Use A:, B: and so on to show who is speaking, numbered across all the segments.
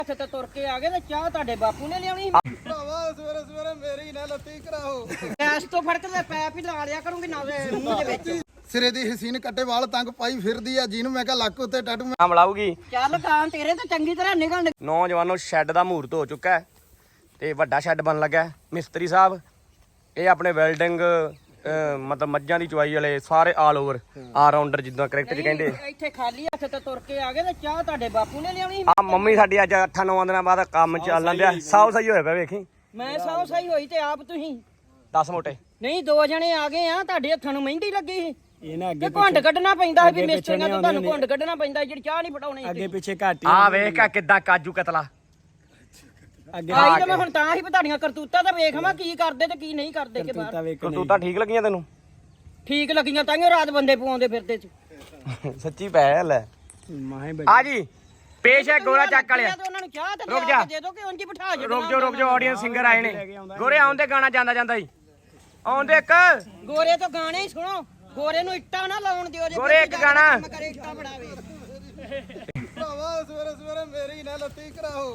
A: ਤੇ ਤੁਰ ਕੇ ਆ ਗਏ ਤੇ ਚਾਹ ਤੁਹਾਡੇ ਬਾਪੂ ਨੇ ਲਿਆਉਣੀ
B: ਭਰਾਵਾ ਸਵੇਰੇ ਸਵੇਰੇ ਮੇਰੀ ਨਾ ਲੱਤੀ ਕਰਾਓ
A: ਗੈਸ ਤੋਂ ਫੜ ਕੇ ਤੇ ਪੈਪ ਹੀ ਲਾ ਲਿਆ ਕਰੂੰਗੀ ਨਾ ਮੂੰਹ ਦੇ ਵਿੱਚ
B: ਸਿਰੇ ਦੀ ਹਸੀਨ ਕੱਟੇ ਵਾਲ ਤੰਗ ਪਾਈ ਫਿਰਦੀ ਆ ਜਿਹਨੂੰ ਮੈਂ ਕਿਹਾ ਲੱਕ ਉੱਤੇ ਟੈਟੂ
C: ਨਾਮ ਲਾਊਗੀ।
A: ਚੱਲ ਕਾਂ ਤੇਰੇ ਤੇ ਚੰਗੀ ਤਰ੍ਹਾਂ ਨਿਕਲਣ
C: ਨੌਜਵਾਨੋ ਸ਼ੈੱਡ ਦਾ ਮਹੂਰਤ ਹੋ ਚੁੱਕਾ ਹੈ ਤੇ ਵੱਡਾ ਸ਼ੈੱਡ ਬਣ ਲੱਗਾ ਹੈ। ਮਿਸਤਰੀ ਸਾਹਿਬ ਇਹ ਆਪਣੇ ਵੈਲਡਿੰਗ ਮਤਲਬ ਮੱਝਾਂ ਦੀ ਚੁਆਈ ਵਾਲੇ ਸਾਰੇ ਆਲ ਓਵਰ ਆਲ ਰਾਉਂਡਰ ਜਿੱਦਾਂ ਕ੍ਰਿਕਟ 'ਚ ਕਹਿੰਦੇ।
A: ਇੱਥੇ ਖਾਲੀ ਹੱਥ ਤੇ ਤੁਰ ਕੇ ਆ ਗਏ ਤੇ ਚਾਹ ਤੁਹਾਡੇ ਬਾਪੂ ਨੇ ਲਿਆਉਣੀ
C: ਆ ਮੰਮੀ ਸਾਡੀ ਅੱਜ 8-9 ਦਿਨਾਂ ਬਾਅਦ ਕੰਮ ਚੱਲਣ ਦਿਆ ਸਾਉ ਸਹੀ ਹੋਇਆ ਪਿਆ ਵੇਖੀ।
A: ਮੈਂ ਸੌ ਸਹੀ ਹੋਈ ਤੇ ਆਪ ਤੁਸੀਂ
C: 10 ਮੋਟੇ
A: ਨਹੀਂ 2 ਜਣੇ ਆ ਗਏ ਆ ਤੁਹਾਡੇ ਹੱਥਾਂ ਨੂੰ ਮਹਿੰਦੀ ਲੱਗੀ ਸੀ ਤੇ ਘੁੰਡ ਕੱਢਣਾ ਪੈਂਦਾ ਸੀ ਵੀ ਮਿਸਤਰੀਆਂ ਤੋਂ ਤੁਹਾਨੂੰ ਘੁੰਡ ਕੱਢਣਾ ਪੈਂਦਾ ਜਿਹੜੀ ਚਾਹ ਨਹੀਂ ਫਟਾਉਣੀ
D: ਅੱਗੇ ਪਿੱਛੇ ਘੱਟ
C: ਆ ਵੇਖ ਆ ਕਿੱਦਾਂ ਕਾਜੂ ਕਤਲਾ
D: ਅੱਗੇ
A: ਆਈ ਤਾਂ ਮੈਂ ਹੁਣ ਤਾਂ ਹੀ ਤੁਹਾਡੀਆਂ ਕਰਤੂਤਾਂ ਤਾਂ ਵੇਖਾਂ ਕੀ ਕਰਦੇ ਤੇ ਕੀ ਨਹੀਂ ਕਰਦੇ ਕਿ ਬਾਹਰ
C: ਕਰਤੂਤਾਂ ਠੀਕ ਲੱਗੀਆਂ ਤੈਨੂੰ?
A: ਠੀਕ ਲੱਗੀਆਂ ਤਾਂ ਰਾਤ ਬੰਦੇ ਪਵਾਉਂਦੇ ਫਿਰਦੇ ਚ
C: ਸੱਚੀ ਪੈ ਲੈ
D: ਮਾਹੇ
C: ਆ ਜੀ ਪੇਸ਼ ਹੈ ਗੋਰਾ ਚੱਕ ਵਾਲਿਆ।
A: ਉਹਨਾਂ ਨੂੰ ਚਾਹ ਤੇ
C: ਰੁਕ ਜਾ।
A: ਦੇ ਦੋ ਕਿ ਉਂਝ ਹੀ ਬਿਠਾ ਜੇ
C: ਰੁਕ ਜਾ ਆਡੀਅנס ਸਿੰਗਰ ਆਏ ਨੇ। ਗੋਰੇ ਆਉਂਦੇ ਗਾਣਾ ਜਾਂਦਾ ਜਾਂਦਾ ਹੀ ਆਉਂਦੇ ਇੱਕ
A: ਗੋਰੇ ਤੋਂ ਗਾਣੇ ਹੀ ਸੁਣੋ। ਗੋਰੇ ਨੂੰ ਇੱਟਾਂ ਨਾ ਲਾਉਣ ਦਿਓ ਜੇ
C: ਗੋਰੇ ਇੱਕ ਗਾਣਾ
A: ਕਰੇ ਇੱਟਾਂ ਬੜਾਵੇ
B: ਭਰਾਵਾ ਸਵੇਰੇ ਸਵੇਰੇ ਮੇਰੀ ਨਾ ਲੱਤੀ ਕਰਾਓ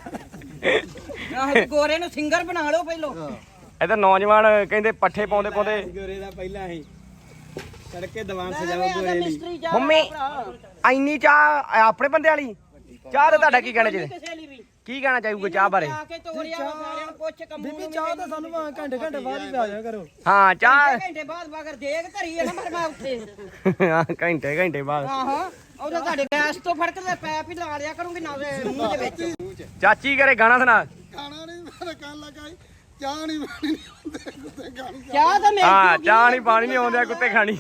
A: ਆਹ ਗੋਰੇ ਨੂੰ ਸਿੰਗਰ ਬਣਾ ਲਓ ਪਹਿਲੋਂ।
C: ਇਹਦਾ ਨੌਜਵਾਨ ਕਹਿੰਦੇ ਪੱਠੇ ਪਾਉਂਦੇ ਪਾਉਂਦੇ
D: ਗੋਰੇ ਦਾ ਪਹਿਲਾਂ ਹੀ ਤੜਕੇ ਦੀਵਾਨ
A: ਐਵੇਂ
D: ਸਜਾਓ
A: ਆਦਾ
D: ਗੋਰੇ ਲਈ।
A: ਮਿਸਤਰੀ ਜਾ
C: ਮੰਮੀ ਇੰਨੀ ਚਾਹ ਆਪਣੇ ਬੰਦੇ ਵਾਲੀ ਚਾਹ ਤੇ ਤੁਹਾਡਾ ਕੀ ਕਹਿਣਾ ਚਾਹੀਦਾ?
A: ਕਿਸੇ ਲਈ ਵੀ
C: ਕੀ ਕਹਿਣਾ ਚਾਹੂਗਾ ਚਾਹ ਬਾਰੇ?
A: ਆ ਕੇ ਤੋਰਿਆ ਸਾਰਿਆਂ ਨੂੰ ਪੁੱਛ ਕੰਮੂ
D: ਬੀਬੀ ਚਾਹ ਤਾਂ ਸਾਨੂੰ ਘੰਟੇ ਬਾਅਦ ਹੀ ਆ ਜਾ ਕਰੋ।
C: ਹਾਂ ਚਾਹ
A: ਘੰਟੇ ਬਾਅਦ ਬਾਗਰ ਦੇਗ ਧਰੀ ਹੈ ਨਾ ਪਰ ਮੈਂ ਉੱਥੇ
C: ਹਾਂ, ਘੰਟੇ ਬਾਅਦ
A: ਆਹੋ ਉਹਦਾ ਤੁਹਾਡੇ ਗੈਸ ਤੋਂ ਫੜ ਕੇ ਤੇ ਪੈਪ ਹੀ ਲਾ ਲਿਆ ਕਰੂੰਗੀ ਨਾ ਮੂੰਹ ਦੇ ਵਿੱਚ
C: ਚਾਚੀ ਘਰੇ ਗਾਣਾ ਸੁਣਾ।
B: ਖਾਣਾ ਨਹੀਂ ਮੇਰੇ ਕੰਨ ਲਗਾਈ ਚਾਹ ਨਹੀਂ ਪਾਣੀ ਨਹੀਂ ਹੁੰਦੇ ਕੁੱਤੇ ਗਾਣੀ
A: ਚਾਹ ਤਾਂ
C: ਹਾਂ ਚਾਹ ਨਹੀਂ ਪਾਣੀ ਨਹੀਂ ਆਉਂਦਾ ਕੁੱਤੇ ਖਾਣੀ।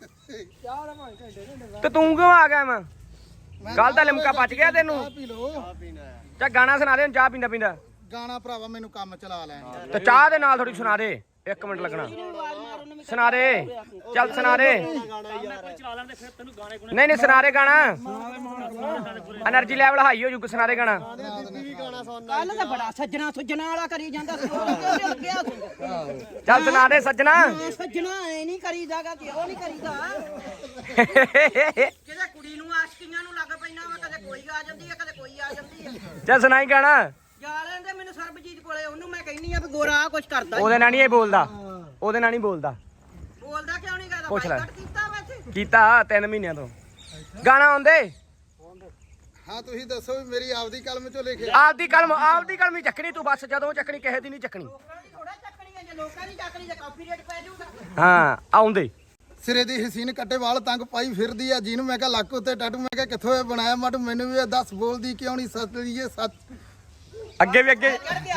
C: ਤੇ ਤੂੰ ਕਿਉਂ ਆ ਗਿਆ ਮੈਂ ਕੱਲ ਦਾ ਲਿਮਕਾ ਪਚ ਗਿਆ ਤੈਨੂੰ।
B: ਚਾਹ ਪੀ ਲੋ
C: ਚਾ ਗਾਣਾ ਸੁਣਾ ਦੇ ਹੁਣ ਚਾਹ ਪੀਂਦਾ ਪੀਂਦਾ।
B: ਗਾਣਾ ਭਰਾਵਾ ਮੈਨੂੰ ਕੰਮ ਚਲਾ ਲੈਣ
C: ਤੇ ਚਾਹ ਦੇ ਨਾਲ ਥੋੜੀ ਸੁਣਾ ਦੇ 1 ਮਿੰਟ ਲੱਗਣਾ। ਸੁਣਾ ਦੇ ਚੱਲ ਸੁਣਾ ਦੇ। ਨਹੀਂ ਸੁਣਾ ਦੇ ਗਾਣਾ એનર્ਜੀ ਲੈਵਲ ਹਾਈ ਹੋ ਜੂ। ਸੁਣਾ ਦੇ ਗਾਣਾ।
A: ਕੱਲ ਤਾਂ ਬੜਾ ਸੱਜਣਾ ਸੁੱਜਣਾ ਵਾਲਾ ਕਰੀ ਜਾਂਦਾ ਸੀ ਉਹਦੇ ਲੱਗਿਆ ਸੀ
C: ਚੱਲ ਸੁਣਾ ਦੇ ਸੱਜਣਾ।
A: ਸੱਜਣਾ ਐ ਨਹੀਂ ਕਰੀਦਾਗਾ ਕਿ ਉਹ ਨਹੀਂ ਕਰੀਦਾ ਕਿਤੇ ਕੁੜੀ ਨੂੰ ਆਸ਼ਕੀਆਂ ਨੂੰ ਲੱਗ ਪੈਣਾ ਵਾ ਕਦੇ ਕੋਈ ਆ ਜਾਂਦੀ ਹੈ ਕਦੇ ਕੋਈ ਆ ਜਾਂਦੀ ਹੈ।
C: ਚੱਲ ਸੁਣਾਈ ਗਾਣਾ।
A: ਜਾ ਲੈਂਦੇ ਮੈਨੂੰ ਸਰਬਜੀਤ ਕੋਲੇ ਉਹਨੂੰ ਮੈਂ ਕਹਿੰਨੀ ਆ ਵੀ ਗੋਰਾ ਆ ਕੁਛ ਕਰਦਾ
C: ਉਹਦੇ ਨਾਲ ਨਹੀਂ ਇਹ ਬੋਲਦਾ। ਉਹਦੇ ਨਾਲ ਨਹੀਂ ਬੋਲਦਾ।
A: ਬੋਲਦਾ ਕਿਉਂ ਨਹੀਂ ਕਰਦਾ
C: ਪੁੱਛ ਲੈ।
A: ਬਾਈਕਾਟ ਕੀਤਾ ਵੈਸੇ
C: ਕੀਤਾ 3 ਮਹੀਨਿਆਂ ਤੋਂ। ਗਾਣਾ ਆਉਂਦੇ
B: ਹਾਂ ਤੁਸੀਂ ਦੱਸੋ ਵੀ ਮੇਰੀ ਆਪਦੀ ਕਲਮ ਚੋਂ ਲਿਖਿਆ
C: ਆਪਦੀ ਕਲਮ ਹੀ ਚੱਕਣੀ ਤੂੰ ਬਸ ਜਦੋਂ ਚੱਕਣੀ ਕਿਸੇ ਦੀ ਨਹੀਂ ਚੱਕਣੀ।
A: ਥੋੜਾ ਚੱਕਣੀ ਹੈ ਜੇ ਲੋਕਾਂ ਦੀ ਚੱਕਣੀ ਤੇ ਕਾਪੀਰਾਈਟ ਪੈ ਜਾਊਗਾ।
C: ਹਾਂ ਆਉਂਦੇ
B: ਸਿਰੇ ਦੀ ਹਸੀਨ ਕੱਟੇ ਵਾਲ ਤੰਗ ਪਾਈ ਫਿਰਦੀ ਆ ਜਿਹਨੂੰ ਮੈਂ ਕਿਹਾ ਲੱਕ ਉੱਤੇ ਟੈਟੂ ਮੈਂ ਕਿਹਾ ਕਿੱਥੋਂ ਇਹ ਬਣਾਇਆ ਮਾਟੂ ਮੈਨੂੰ ਵੀ ਇਹ ਦੱਸ ਬੋਲਦੀ ਕਿਉਂ ਨਹੀਂ ਸੱਚ ਲਈਏ ਸੱਚ
C: ਅੱਗੇ ਵੀ ਅੱਗੇ
A: ਚੜ ਗਿਆ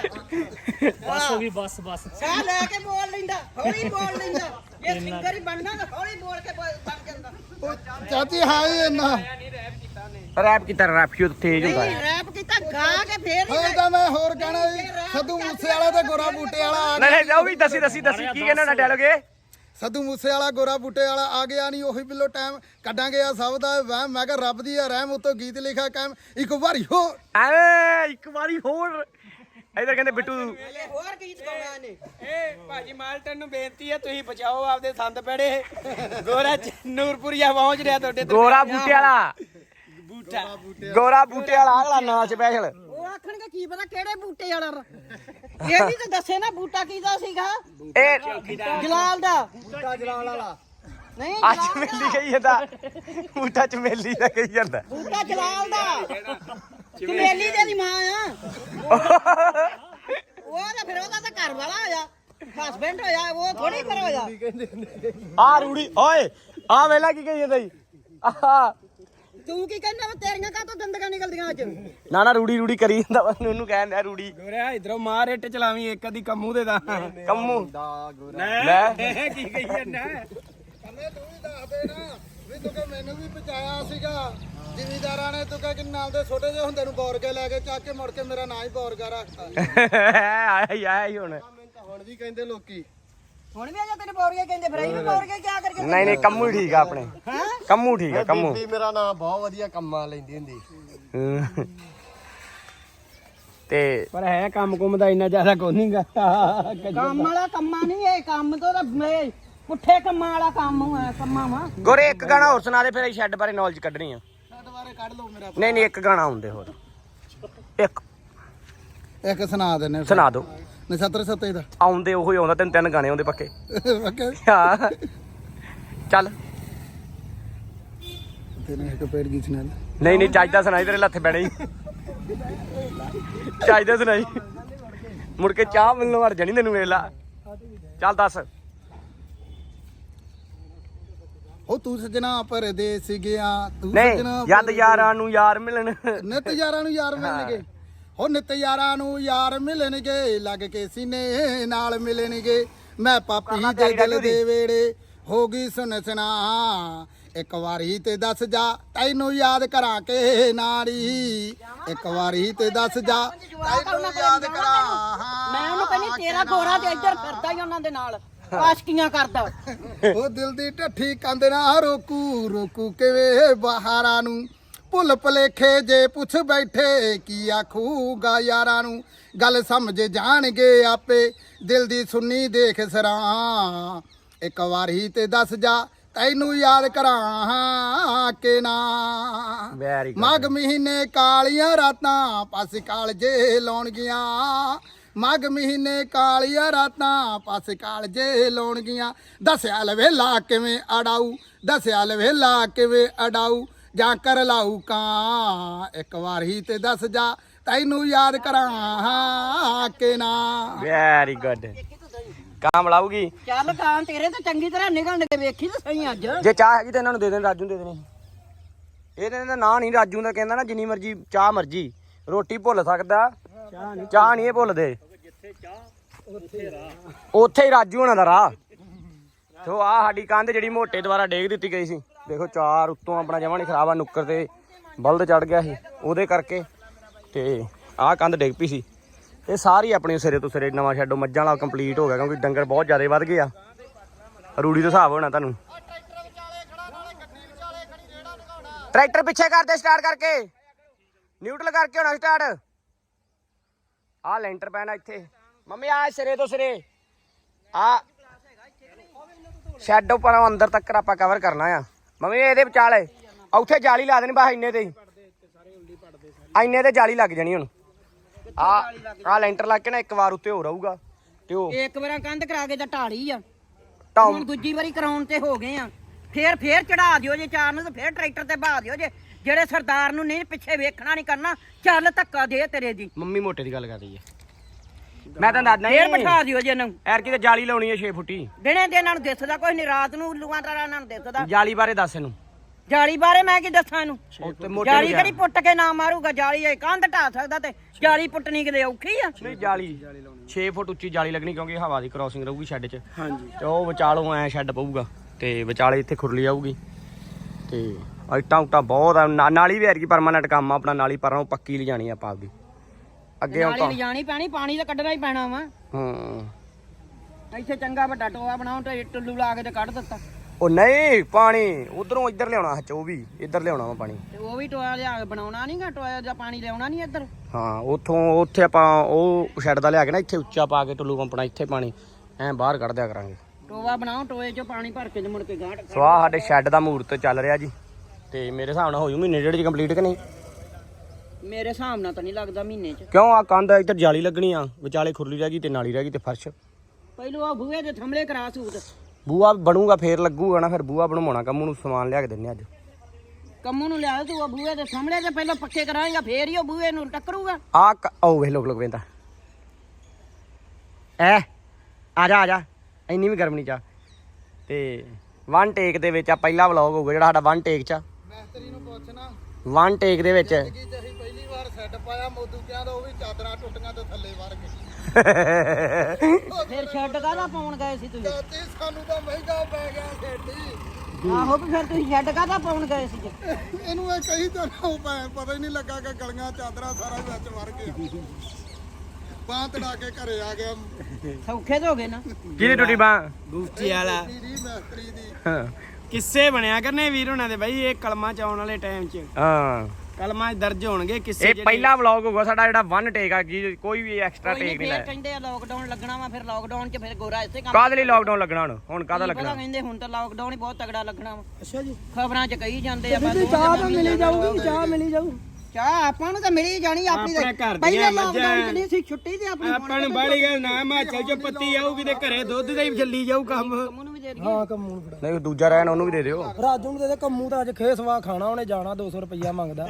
A: ਬਸ ਸਾਹ ਲੈ ਕੇ ਬੋਲ ਲੈਂਦਾ ਹੌਲੀ ਬੋਲ ਲੈਂਦਾ ਇਹ ਸਿੰਗਰ ਹੀ ਬਣਨਾ ਤਾਂ ਹੌਲੀ ਬੋਲ ਕੇ ਬਣ ਜਾਂਦਾ
B: ਚਾਚੀ ਹਾਂ ਹੀ ਇੰਨਾ
C: ਰੈਪ ਕੀਤਾ ਰੈਪ ਕਿਉਂ ਤੇਜ਼ ਹੁੰਦਾ
A: ਨਹੀਂ ਰੈਪ ਕੀਤਾ ਗਾ ਕੇ ਫੇਰ
B: ਹੋਰ ਤਾਂ ਮੈਂ ਹੋਰ ਕਹਿਣਾ ਜੀ ਸੱਧੂ ਮੂਸੇ ਵਾਲਾ ਤੇ ਗੋਰਾ ਬੂਟੇ ਵਾਲਾ ਆ ਗਿਆ
C: ਨਹੀਂ ਉਹ ਵੀ ਦੱਸੀ ਕੀ ਕਹਿੰਦਾ ਨਾ ਡਾਇਲੋਗ ਇਹ।
B: ਸੱਧੂ ਮੂਸੇ ਵਾਲਾ ਗੋਰਾ ਬੂਟੇ ਵਾਲਾ ਆ ਗਿਆ ਨਹੀਂ ਉਹੀ ਬਿੱਲੋ ਟਾਈਮ ਕੱਢਾਂਗੇ ਆ ਸਭ ਦਾ ਵਹਿਮ ਮੈਂ ਕਿਹਾ ਰੱਬ ਦੀ ਆ ਰਹਿਮ ਉਤੋਂ ਗੀਤ ਲਿਖਿਆ ਕਾਇਮ ਇੱਕ ਵਾਰੀ ਹੋ
C: ਐਵੇਂ ਇੱਕ ਵਾਰੀ ਹੋਰ ਇਧਰ ਕਹਿੰਦੇ ਬਿੱਟੂ
A: ਹੋਰ ਗੀਤ ਗਾਉਣਾ ਨੇ
D: ਏ ਭਾਜੀ ਮਾਲਟਨ ਨੂੰ ਬੇਨਤੀ ਹੈ ਤੁਸੀਂ ਬਚਾਓ ਆਪਦੇ ਸੰਦ ਪੜੇ। ਗੋਰਾ ਨੂਰਪੁਰੀਆ ਪਹੁੰਚ ਰਿਹਾ ਤੁਹਾਡੇ ਤੇ।
C: ਗੋਰਾ ਬੂਟੇ ਵਾਲਾ
D: ਬੂਟਾ
C: ਗੋਰਾ ਬੂਟੇ ਵਾਲਾ ਅਗਲਾ ਨਵਾਂ ਸਪੈਸ਼ਲ।
A: ਉਹ ਆਖਣਗੇ ਕੀ ਪਤਾ ਕਿਹੜੇ ਬੂਟੇ ਵਾਲਾ ਇਹ ਵੀ ਤਾਂ ਦੱਸੇ ਨਾ ਬੂਟਾ ਕਿਹਦਾ ਸੀਗਾ
C: ਇਹ
A: ਜਲਾਲ ਦਾ
B: ਬੂਟਾ ਜਲਾਲ ਵਾਲਾ
A: ਨਹੀਂ
C: ਅੱਜ ਮੇਲੀ ਕਹੀ ਜਾਂਦਾ ਬੂਟਾ ਚਮੇਲੀ ਦਾ ਕਹੀ ਜਾਂਦਾ।
A: ਬੂਟਾ ਜਲਾਲ ਦਾ ਚਮੇਲੀ ਦੇ ਦੀ ਮਾਂ ਆ ਉਹ ਤਾਂ ਫਿਰ ਉਹਦਾ ਤਾਂ ਘਰ ਵਾਲਾ ਹੋਇਆ ਹਸਬੈਂਡ ਹੋਇਆ ਉਹ ਥੋੜੀ ਫਿਰ ਹੋਇਆ
C: ਆ ਰੂੜੀ ਓਏ ਆ ਵੇਲਾ ਕੀ ਕਹੀ ਜਾਂਦਾ ਜੀ ਆਹ
A: ਤੂੰ ਕੀ ਕਹਿੰਦਾ ਵਾ ਤੇਰੀਆਂ ਕਾਹਤੋਂ ਦੰਦਗਾ ਨਿਕਲਦੀਆਂ ਅੱਜ
C: ਨਾ ਰੂੜੀ ਕਰੀ ਜਾਂਦਾ ਉਹਨੂੰ ਕਹਿੰਦਾ ਰੂੜੀ।
D: ਗੋਰਿਆ ਇਧਰੋਂ ਮਾਰ ਇੱਟ ਚਲਾਵੀਂ ਇੱਕ ਅੱਧੀ ਕੰਮੂ ਦੇ ਦਾ
C: ਕੰਮੂ
D: ਲੈ ਕੀ ਕਹੀ ਜਾਂਦਾ
B: ਕੰਮੇ ਤੂੰ ਵੀ ਦੱਸ ਦੇ ਨਾ ਵੀ ਤੂੰ ਕਿ ਮੈਨੂੰ ਵੀ ਬਚਾਇਆ ਸੀਗਾ ਜ਼ਿਮੀਦਾਰਾਂ ਨੇ ਤੂੰ ਕਿ ਨਾਲ ਦੇ ਛੋਟੇ ਜਿਹੇ ਹੁੰਦੇ ਨੂੰ ਬੌਰ ਕੇ ਲੈ ਕੇ ਚੱਕ ਕੇ ਮੁੜ ਕੇ ਮੇਰਾ ਨਾਂ ਹੀ ਬੌਰਗਾ ਰੱਖਤਾ
C: ਆਇਆ ਹੀ ਹੁਣ।
B: ਹੁਣ ਵੀ ਕਹਿੰਦੇ ਲੋਕੀ
A: ਹੁਣ ਵੀ ਅਜੇ ਤੈਨੂੰ ਬੋਰਗੇ ਕਹਿੰਦੇ ਫਿਰ ਅਸੀਂ ਵੀ ਬੋਰਗੇ ਕੀ ਕਰਕੇ
C: ਨਹੀਂ ਕੰਮੂ ਹੀ ਠੀਕ ਆ ਆਪਣੇ। ਕੰਮੂ ਠੀਕ ਆ ਕੰਮੂ।
B: ਮੇਰਾ ਨਾਮ ਬਹੁਤ ਵਧੀਆ ਕੰਮਾਂ ਲੈਂਦੀ ਹੁੰਦੀ
C: ਤੇ
D: ਪਰ ਹੈ ਕੰਮ ਕੁਮ ਦਾ ਇੰਨਾ ਜ਼ਿਆਦਾ ਕੋਈ ਨਹੀਂਗਾ।
A: ਕੰਮ ਵਾਲਾ ਕੰਮਾਂ ਨਹੀਂ ਇਹ ਕੰਮ ਤੋਂ ਤਾਂ ਪੁੱਠੇ ਕੰਮਾਂ ਵਾਲਾ ਕੰਮ ਹੈ ਕੰਮਾਂ ਵਾ
C: ਗੋਰੇ ਇੱਕ ਗਾਣਾ ਹੋਰ ਸੁਣਾ ਦੇ ਫਿਰ ਅਸੀਂ ਸ਼ੈੱਡ ਬਾਰੇ ਨੌਲੇਜ ਕੱਢਣੀ ਆ।
B: ਛੱਡ ਬਾਰੇ ਕੱਢ ਲਓ ਮੇਰਾ
C: ਨਹੀਂ ਇੱਕ ਗਾਣਾ ਹੁੰਦੇ ਹੋਰ
B: ਇੱਕ ਸੁਣਾ ਦਿੰਨੇ
C: ਸੁਣਾ ਦਿਓ
B: ਨਛੱਤਰ ਸੱਤੇ ਦਾ
C: ਆਉਂਦੇ ਉਹੀ ਆਉਂਦਾ, ਤਿੰਨ ਤਿੰਨ ਗਾਣੇ ਆਉਂਦੇ ਪੱਕੇ।
B: ਓਕੇ
C: ਹਾਂ ਚੱਲ।
B: ਤੇਨੇ ਇੱਕ ਪੇੜ ਗੀਤ ਨਾਲ
C: ਨਹੀਂ ਨਹੀਂ ਚੱਜ ਦਾ ਸੁਣਾਈ, ਤੇਰੇ ਲੱਥੇ ਪੈਣੇ ਹੀ। ਚੱਜ ਦਾ ਸੁਣਾਈ, ਮੁੜ ਕੇ ਚਾਹ ਮਿਲਣ ਵੜ ਜਾਣੀ ਤੈਨੂੰ, ਵੇਖ ਲਾ। ਚੱਲ ਦੱਸ।
B: ਉਹ ਤੂੰ ਸਜਣਾ ਪਰਦੇਸ ਗਿਆ, ਤੂੰ
C: ਨਹੀਂ
B: ਸਜਣਾ
C: ਯਾਦ ਯਾਰਾਂ ਨੂੰ ਯਾਰ ਮਿਲਣ।
B: ਨਿਤ ਯਾਰਾਂ ਨੂੰ ਯਾਰ ਮਿਲਣਗੇ, ਹੋ ਨਿਤ ਯਾਰਾਂ ਨੂੰ ਯਾਰ ਮਿਲਣਗੇ, ਲੱਗ ਕੇ ਸੀਨੇ ਨਾਲ ਮਿਲਣਗੇ। ਮੈਂ ਪਾਪੀ ਦੇ ਦਿਲ ਦੇ ਵੇੜੇ ਹੋ ਗਈ ਸੁਣ ਸੁਣਾ, ਇੱਕ ਵਾਰੀ ਤੇ ਦੱਸ ਜਾ ਤੈਨੂੰ ਯਾਦ ਕਰਾਂ ਕੇ ਨਾਰੀ, ਇੱਕ ਵਾਰੀ ਤੇ ਦੱਸ ਜਾ ਤੈਨੂੰ ਯਾਦ ਕਰਾਂ।
A: ਮੈਂ ਉਹਨੂੰ ਕਹਿੰਦੀ ਤੇਰਾ ਗੋਰਾ ਤੇ ਇੱਧਰ ਫਿਰਦਾ ਹੀ ਉਹਨਾਂ ਦੇ ਨਾਲ ਆਸ਼ਕੀਆਂ ਕਰਦਾ।
B: ਉਹ ਦਿਲ ਦੀ ਢੱਠੀ ਕੰਦ ਨਾ ਰੋਕੂ, ਰੋਕੂ ਕਿਵੇਂ ਬਹਾਰਾਂ ਨੂੰ, ਭੁੱਲ ਭਲੇਖੇ ਜੇ ਪੁੱਛ ਬੈਠੇ ਕੀ ਆਖੂਗਾ ਯਾਰਾਂ ਨੂੰ। ਗੱਲ ਸਮਝ ਜਾਣਗੇ ਆਪੇ ਦਿਲ ਦੀ ਸੁਣੀ ਦੇਖ ਸਰਾਂ, ਇੱਕ ਵਾਰੀ ਤੇ ਦੱਸ ਜਾ ਤੈਨੂੰ ਯਾਦ ਕਰਾਂ ਕਿ ਨਾ।
C: Very good.
B: ਮਗ ਮਹੀਨੇ ਕਾਲੀਆਂ ਰਾਤਾਂ ਪਾਸੇ ਕਾਲਜੇ ਲਾਉਣਗੀਆਂ, ਮਗ ਮਹੀਨੇ ਕਾਲੀਆਂ ਰਾਤਾਂ ਪਾਸੇ ਕਾਲਜੇ ਲਾਉਣਗੀਆਂ। ਦੱਸਿਆ ਲਵੇਲਾ ਕਿਵੇਂ ਅੜਾਊ, ਦੱਸਿਆ ਲਵੇਲਾ ਕਿਵੇਂ ਅੜਾਊ, ਜਾਂ ਕਰ ਲਾਊ ਕਾਂ, ਇੱਕ ਵਾਰੀ ਤੇ ਦੱਸ ਜਾ ਤੈਨੂੰ ਯਾਦ ਕਰਾਂ ਕਿ ਨਾ।
C: Very good. ਕੰਮ ਲਾਊਗੀ
A: ਚੱਲ ਕਾਂ ਤੇਰੇ ਤੇ ਚੰਗੀ ਤਰ੍ਹਾਂ ਨਿਕਲਣਗੇ, ਵੇਖੀ ਤਾਂ ਸਹੀ ਅੱਜ।
C: ਜੇ ਚਾਹ ਹੈਗੀ ਤਾਂ ਇਹਨਾਂ ਨੂੰ ਦੇ ਦੇਣ, ਰਾਜੂ ਨੂੰ ਦੇ ਦੇਣੀ। ਇਹਦੇ ਦਾ ਨਾਂ ਨਹੀਂ ਰਾਜੂ ਦਾ, ਕਹਿੰਦਾ ਨਾ ਜਿੰਨੀ ਮਰਜੀ ਚਾਹ ਮਰਜੀ, ਰੋਟੀ ਭੁੱਲ ਸਕਦਾ, ਚਾਹ ਨਹੀਂ ਇਹ ਭੁੱਲਦੇ। ਉੱਥੇ ਹੀ ਰਾਜੂ ਹੋਣਾ ਦਾ ਰਾਹ। ਸੋ ਆ ਸਾਡੀ ਕੰਧ ਜਿਹੜੀ ਮੋਟੇ ਦੁਆਰਾ ਡੇਗ ਦਿੱਤੀ ਗਈ ਸੀ, ਦੇਖੋ ਚਾਰ ਉੱਤੋਂ ਆਪਣਾ ਜਮਾਂ ਨਹੀਂ ਖਰਾਬ ਆ, ਨੁੱਕਰ ਤੇ ਬਲਦ ਚੜ ਗਿਆ ਸੀ ਉਹਦੇ ਕਰਕੇ, ਤੇ ਆਹ ਕੰਧ ਡਿੱਗ ਪਈ ਸੀ। ਇਹ ਸਾਰੀ ਆਪਣੀ ਸਿਰੇ ਤੋਂ ਸਿਰੇ ਨਵਾਂ ਸ਼ੈਡੋ ਮੱਝਾਂ ਵਾਲਾ ਕੰਪਲੀਟ ਹੋ ਗਿਆ, ਕਿਉਂਕਿ ਡੰਗਰ ਬਹੁਤ ਜ਼ਿਆਦਾ ਵੱਧ ਗਏ ਆ। ਰੂੜੀ ਦਾ ਹਿਸਾਬ ਹੋਣਾ ਤੁਹਾਨੂੰ। ਟਰੈਕਟਰ ਪਿੱਛੇ ਕਰਦੇ ਸਟਾਰਟ ਕਰਕੇ, ਨਿਊਟਰਲ ਕਰਕੇ ਹੋਣਾ ਸਟਾਰਟ। ਆਹ ਲੈਂਟਰ ਪੈਣਾ ਇੱਥੇ ਮੰਮੀ, ਆ ਸਿਰੇ ਤੋਂ ਸਿਰੇ ਆ ਸ਼ੈਡੋ ਪਰ ਅੰਦਰ ਤੱਕ ਆਪਾਂ ਕਵਰ ਕਰਨਾ ਆ ਮੰਮੀ। ਇਹਦੇ ਵਿਚਾਲੇ ਉੱਥੇ ਜਾਲੀ ਲਾ ਦੇਣੀ ਬਸ, ਇੰਨੇ ਤੇ ਇੰਨੇ ਤੇ ਜਾਲੀ ਲੱਗ ਜਾਣੀ ਹੁਣ। ਆ ਲੈਂਟਰ ਲੱਗ ਕੇ ਨਾ ਇੱਕ ਵਾਰ ਉੱਤੇ ਹੋ ਰਹੂਗਾ, ਤੇ ਉਹ
A: ਇੱਕ ਵਾਰ ਕੰਧ ਕਰਾ ਕੇ ਤਾਂ ਢਾਲੀ ਆ,
C: ਟਾਉਂ
A: ਹੁਣ ਦੂਜੀ ਵਾਰੀ ਕਰਾਉਣ ਤੇ ਹੋ ਗਏ ਆ। ਫੇਰ ਚੜਾ ਦਿਓ ਜੇ ਚਾਰ ਨੂੰ, ਤੇ ਫੇਰ ਟਰੈਕਟਰ ਤੇ ਬਹਾ ਦਿਓ ਜੇ। ਜਿਹੜੇ ਸਰਦਾਰ ਨੂੰ ਨਹੀਂ ਪਿੱਛੇ ਵੇਖਣਾ ਨਹੀਂ ਕਰਨਾ, ਚੱਲ ਧੱਕਾ ਦੇ ਤੇਰੇ ਦੀ।
C: ਮੰਮੀ ਮੋਟੇ ਦੀ ਗੱਲ ਕਰਦੀ ਹੈ, ਮੈਂ ਤਾਂ ਦੱਸਦਾ
A: ਫੇਰ
C: ਨਹੀਂ।
A: ਬਿਠਾ ਦਿਓ ਜੇ ਇਹਨੂੰ।
C: ਐਰ ਕਿਤੇ ਜਾਲੀ ਲਾਉਣੀ ਹੈ 6 ਫੁੱਟੀ।
A: ਦਿਨੇ ਤੇ ਇਹਨਾਂ ਨੂੰ ਦਿਸਦਾ ਕੁਝ ਨਹੀਂ, ਰਾਤ ਨੂੰ ਉੱਲੂਆਂ ਤਰ੍ਹਾਂ ਇਹਨਾਂ ਨੂੰ ਦਿਸਦਾ।
C: ਜਾਲੀ ਬਾਰੇ ਦੱਸ ਇਹਨੂੰ।
A: ਜਾਲੀ ਬਾਰੇ ਮੈਂ ਕੀ ਦੱਸਾਂ ਇਹਨੂੰ?
C: ਉੱਤੇ ਮੋਟੇ
A: ਜਾਲੀ ਕਿਹੜੀ ਪੁੱਟ ਕੇ ਨਾ ਮਾਰੂਗਾ? ਜਾਲੀ ਇਹ ਕੰਧ ਢਾ ਸਕਦਾ, ਤੇ ਜਾਲੀ ਪੁੱਟਣੀ ਕਿਤੇ ਔਖੀ ਆ?
C: ਨਹੀਂ ਜਾਲੀ 6 ਫੁੱਟ ਉੱਚੀ ਜਾਲੀ ਲੱਗਣੀ, ਕਿਉਂਕਿ ਹਵਾ ਦੀ ਕ੍ਰਾਸਿੰਗ ਰਹੂਗੀ ਸ਼ੈੱਡ 'ਚ। ਹਾਂਜੀ, ਤੇ ਉਹ ਵਿਚਾਲੋਂ ਐ ਸ਼ੈੱਡ ਪਊਗਾ, ਤੇ ਵਿਚਾਲੇ ਇੱਥੇ ਖੁਰਲੀ ਆਊਗੀ, ਤੇ ਇੱਟਾਂ ਉੱਟਾਂ ਬਹੁਤ ਆ। ਨਾਲੀ ਵੀ ਐਰਕੀ ਪਰਮਾਨੈਂਟ ਕੰਮ ਆ ਆਪਣਾ, ਨਾਲੀ ਪਰਾਂ ਪੱਕੀ ਲਿਜਾਣੀ ਆਪਾਂ ਆਪਦੀ ਅੱਗੇ।
A: ਨਾਲੀ ਲਿਜਾਣੀ ਪੈਣੀ, ਪਾਣੀ ਤਾਂ ਕੱਢਣਾ ਹੀ ਪੈਣਾ ਵਾ। ਇੱਥੇ ਚੰਗਾ ਵੱਡਾ ਟੋਆ ਬਣਾਉ ਤੇ ਟੁੱਲੂ ਲਾ ਕੇ ਤੇ ਕੱਢ ਦਿੱਤਾ।
C: ਉਹ ਨਹੀਂ, ਪਾਣੀ ਉਧਰੋਂ ਇੱਧਰ ਲਿਆਉਣਾ, ਹੱਚ ਉਹ ਵੀ ਇੱਧਰ ਲਿਆਉਣਾ ਵਾ ਪਾਣੀ।
A: ਤੇ ਉਹ ਵੀ ਟੋਆ ਲਿਆ ਕੇ ਬਣਾਉਣਾ ਨਹੀਂਗਾ, ਟੋਆ ਦਾ ਪਾਣੀ ਲਿਆਉਣਾ ਨਹੀਂ ਇੱਧਰ।
C: ਹਾਂ, ਉੱਥੋਂ ਉੱਥੇ ਆਪਾਂ ਉਹ ਸ਼ੈੱਡ ਦਾ ਲਿਆ ਕੇ ਨਾ ਇੱਥੇ ਉੱਚਾ ਪਾ ਕੇ ਟੁੱਲੂ ਪੰਪਣਾ, ਇੱਥੇ ਪਾਣੀ ਐਂ ਬਾਹਰ ਕੱਢ ਦਿਆ ਕਰਾਂਗੇ।
A: ਟੋਆ ਬਣਾਓ, ਟੋਏ 'ਚ ਪਾਣੀ ਭਰ ਕੇ ਤੇ ਮੁੜ ਕੇ ਗਾਂਢ।
C: ਸੋ ਆਹ ਸਾਡੇ ਸ਼ੈੱਡ ਦਾ ਮਹੂਰਤ ਚੱਲ ਰਿਹਾ ਜੀ, ਤੇ ਮੇਰੇ ਹਿਸਾਬ ਨਾਲ ਹੋ ਜੂ ਮਹੀਨੇ ਡੇਢ 'ਚ ਕੰਪਲੀਟ ਕਿ ਨਹੀਂ?
A: ਮੇਰੇ ਹਿਸਾਬ ਨਾਲ ਤਾਂ ਨਹੀਂ ਲੱਗਦਾ ਮਹੀਨੇ 'ਚ।
C: ਕਿਉਂ? ਆ ਕੰਧ ਇੱਧਰ ਜਾਲੀ ਲੱਗਣੀ ਆ, ਵਿਚਾਲੇ ਖੁਰਲੀ ਰਹਿ ਗਈ ਤੇ ਨਾਲੀ ਰਹਿ ਗਈ ਤੇ ਫਰਸ਼।
A: ਪਹਿਲੋਂ ਆ ਬੂਹੇ ਦੇ ਥੰਮਲੇ ਕਰਾ ਸੂਤ।
C: ਬੂਆ ਬਣੂਗਾ ਫੇਰ ਲੱਗੂਗਾ ਨਾ, ਫਿਰ ਬੂਆ ਬਣਵਾਉਣਾ। ਕੰਮੂ ਨੂੰ ਸਮਾਨ ਲਿਆ ਕੇ ਦਿੰਨੇ ਅੱਜ।
A: ਕੰਮੂ ਨੂੰ ਲਿਆ ਤੂੰ, ਆ ਬੂਹੇ ਦੇ ਥੰਮਲੇ ਤੇ ਪਹਿਲਾਂ ਪੱਕੇ ਕਰਾਏਗਾ, ਫੇਰ ਹੀ ਉਹ ਬੂਹੇ ਨੂੰ ਟੱਕਰੂਗਾ।
C: ਉਹ ਵੇਖ ਲੋਕ ਵੇਂਦਾ ਐ। ਆ ਜਾ ਇੰਨੀ ਵੀ ਗਰਮ ਨਹੀਂ ਚਾ। ਤੇ 1 ਟੇਕ ਦੇ ਵਿੱਚ ਆ ਪਹਿਲਾ ਵਲੌਗ ਹੋਊਗਾ ਜਿਹੜਾ ਸਾਡਾ 1 ਟੇਕ 'ਚ।
B: ਮਿਸਤਰੀ ਨੂੰ ਪੁੱਛਣਾ
C: 1 ਟੇਕ ਦੇ ਵਿੱਚ
B: ਕਿ ਜਹੀ ਪਹਿਲੀ ਵਾਰ ਸੈੱਟ ਪਾਇਆ ਮੋਦੂ ਕਿਹਾ ਤਾਂ ਉਹ ਵੀ ਚਾਦਰਾਂ ਟੁੱਟੀਆਂ ਤੇ ਥੱਲੇ ਵਰ ਗਏ।
A: ਫਿਰ ਛੱਡ ਕਾਹਦਾ ਪਾਉਣ ਗਏ ਸੀ ਤੁਸੀਂ?
B: ਚਾਚੀ ਸਾਨੂੰ ਤਾਂ ਮਹਿੰਗਾ ਪੈ ਗਿਆ ਸੈੱਟ।
A: ਆਹੋ ਵੀ ਫਿਰ ਤੁਸੀਂ ਛੱਡ ਕਾਹਦਾ ਪਾਉਣ ਗਏ ਸੀ?
B: ਇਹਨੂੰ ਇਹ ਕਹੀ ਤਾਂ ਨਾ ਪਤਾ ਹੀ ਨਹੀਂ ਲੱਗਾ ਕਿ ਗਲੀਆਂ ਚਾਦਰਾਂ ਸਾਰਾ ਵਿੱਚ ਵਰ ਗਿਆ। ਬਾਂਹ ਤੜਾ ਕੇ ਘਰੇ ਆ ਗਿਆ।
A: ਸੌਖੇ ਹੋ ਗਏ ਨਾ।
C: ਕਿਹਦੀ ਟੁੱਟੀ ਬਾਂਹ?
D: ਗੁਫਤੀ ਵਾਲਾ
B: ਮਿਸਤਰੀ ਦੀ
C: ਹਾਂ
D: ਕਿੱਸੇ ਬਣਿਆ ਕਰਨੇ ਵੀਰ ਉਹਨਾਂ ਦੇ ਬਾਈ, ਇਹ ਕਲਮਾਂ ਚ ਆਉਣ ਵਾਲੇ ਟਾਈਮ 'ਚ
C: ਹਾਂ,
D: ਕਲਮਾਂ 'ਚ ਦਰਜ ਹੋਣਗੇ ਕਿੱਸੇ।
C: ਇਹ ਪਹਿਲਾ ਵਲੌਗ ਹੋਊਗਾ ਸਾਡਾ ਜਿਹੜਾ 1 ਟੇਕ ਆ, ਕੋਈ ਵੀ ਐਕਸਟਰਾ
A: ਕੋਈ ਨੀ,
C: ਟੇਕ ਨਹੀਂ
A: ਫੇਰ
C: ਲਾਇਆ।
A: ਕਹਿੰਦੇ ਆ ਲੋਕਡਾਊਨ ਲੱਗਣਾ ਵਾ, ਫਿਰ ਲੋਕਡਾਊਨ 'ਚ ਫਿਰ ਗੋਰਾ ਇਸੇ ਕੰਮ।
C: ਕਾਹਦੇ ਲਈ ਲੋਕਡਾਊਨ ਲੱਗਣਾ ਹੁਣ ਕਾਹਦਾ
A: ਪਤਾ
C: ਲੱਗਣਾ?
A: ਕਹਿੰਦੇ ਹੁਣ ਤਾਂ ਲੋਕਡਾਊਨ ਹੀ ਬਹੁਤ ਤਗੜਾ ਲੱਗਣਾ ਵਾ।
D: ਅੱਛਾ ਜੀ,
A: ਖਬਰਾਂ 'ਚ ਕਹੀ ਜਾਂਦੇ ਆ।
D: ਚਾਹ ਤਾਂ ਮਿਲੀ ਜਾਊਗੀ, ਚਾਹ ਮਿਲੀ ਜਾਊ।
A: ਚਾਹ ਆਪਾਂ ਨੂੰ ਤਾਂ ਮਿਲੀ ਜਾਣੀ ਆਪਣੀ
D: ਆਪਣੇ ਘਰ ਦੀਆਂ
A: ਪਹਿਲੇ
D: ਮੱਝਾਂ।
A: ਲਾਕਡਾਊਨ ਚ ਨਹੀਂ ਸੀ ਛੁੱਟੀ ਤੇ ਆਪਣੀ
D: ਆਪਾਂ ਨੂੰ ਬਾਹਲੀ ਗੱਲ ਨਾ ਹਿਮਾਚਲ ਚ ਪੱਤੀ ਆਊਗੀ ਤੇ ਘਰੇ ਦੁੱਧ ਦਾ ਹੀ ਚੱਲੀ ਜਾਊ ਕੰਮ
A: ਕੰਮੂ ਨੂੰ ਵੀ ਦੇ
E: ਹਾਂ ਕੰਮੂ ਨੂੰ ਫੜਾ
C: ਨਹੀਂ ਦੂਜਾ ਰਹਿਣ ਉਹਨੂੰ ਵੀ ਦੇ ਦਿਓ
E: ਰਾਜੂ ਨੂੰ ਦੇ ਦੇ ਕੰਮੂ ਤਾਂ ਅੱਜ ਖੇਸਵਾ ਖਾਣਾ ਉਹਨੇ ਜਾਣਾ 200 ਰੁਪਇਆ ਮੰਗਦਾ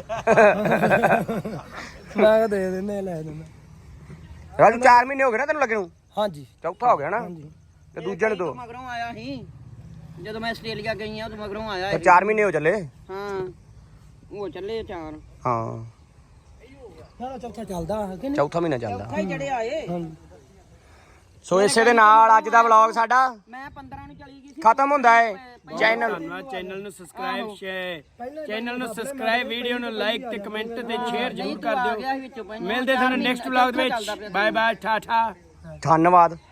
E: ਮੈਂ ਕਿਹਾ ਦੇ ਦਿੰਦੇ ਲੈ ਦਿੰਦੇ
C: ਰਾਜੂ 4 ਮਹੀਨੇ ਹੋ ਗਏ ਨਾ ਤੈਨੂੰ ਲੱਗੇ ਨੂੰ
E: ਹਾਂਜੀ
C: ਚੌਥਾ ਹੋ ਗਿਆ ਨਾ ਤੇ ਦੂਜੇ ਨੂੰ ਦੋ
A: ਮਗਰੋਂ ਆਇਆ ਸੀ ਜਦੋਂ ਮੈਂ ਆਸਟ੍ਰੇਲੀਆ ਗਈ ਆ ਉਦੋਂ ਮਗਰੋਂ ਆਇਆ
C: ਤੇ 4 ਮਹੀਨੇ ਹੋ ਚੱਲੇ
A: ਹਾਂ ਉਹ ਚੱਲੇ ਚਾਰ
C: ਹਾਂ
E: ਚਲੋ ਚੌਥਾ ਚੱਲਦਾ ਕਿ ਨਹੀਂ
C: ਚੌਥਾ ਮਹੀਨਾ ਚੱਲਦਾ
A: ਖਾਈ ਜਿਹੜੇ ਆਏ
E: ਹਾਂਜੀ
C: ਸੋ ਇਸੇ ਦੇ ਨਾਲ ਅੱਜ ਦਾ ਵਲੌਗ ਸਾਡਾ
A: ਮੈਂ 15 ਨੂੰ ਚਲੀ ਗਈ ਸੀ
C: ਖਤਮ ਹੁੰਦਾ ਹੈ ਚੈਨਲ
D: ਚੈਨਲ ਨੂੰ ਸਬਸਕ੍ਰਾਈਬ ਸ਼ੇਅਰ ਚੈਨਲ ਨੂੰ ਸਬਸਕ੍ਰਾਈਬ ਵੀਡੀਓ ਨੂੰ ਲਾਈਕ ਤੇ ਕਮੈਂਟ ਤੇ ਸ਼ੇਅਰ ਜ਼ਰੂਰ ਕਰ
A: ਆ
D: ਦਿਓ
A: ਗਿਆ ਸੀ ਵਿੱਚੋਂ ਪਹਿਲਾਂ
D: ਮਿਲਦੇ ਤੁਹਾਨੂੰ ਨੈਕਸਟ ਵਲੌਗ ਵਿੱਚ ਬਾਏ ਬਾਏ ਠਾਠਾ
C: ਧੰਨਵਾਦ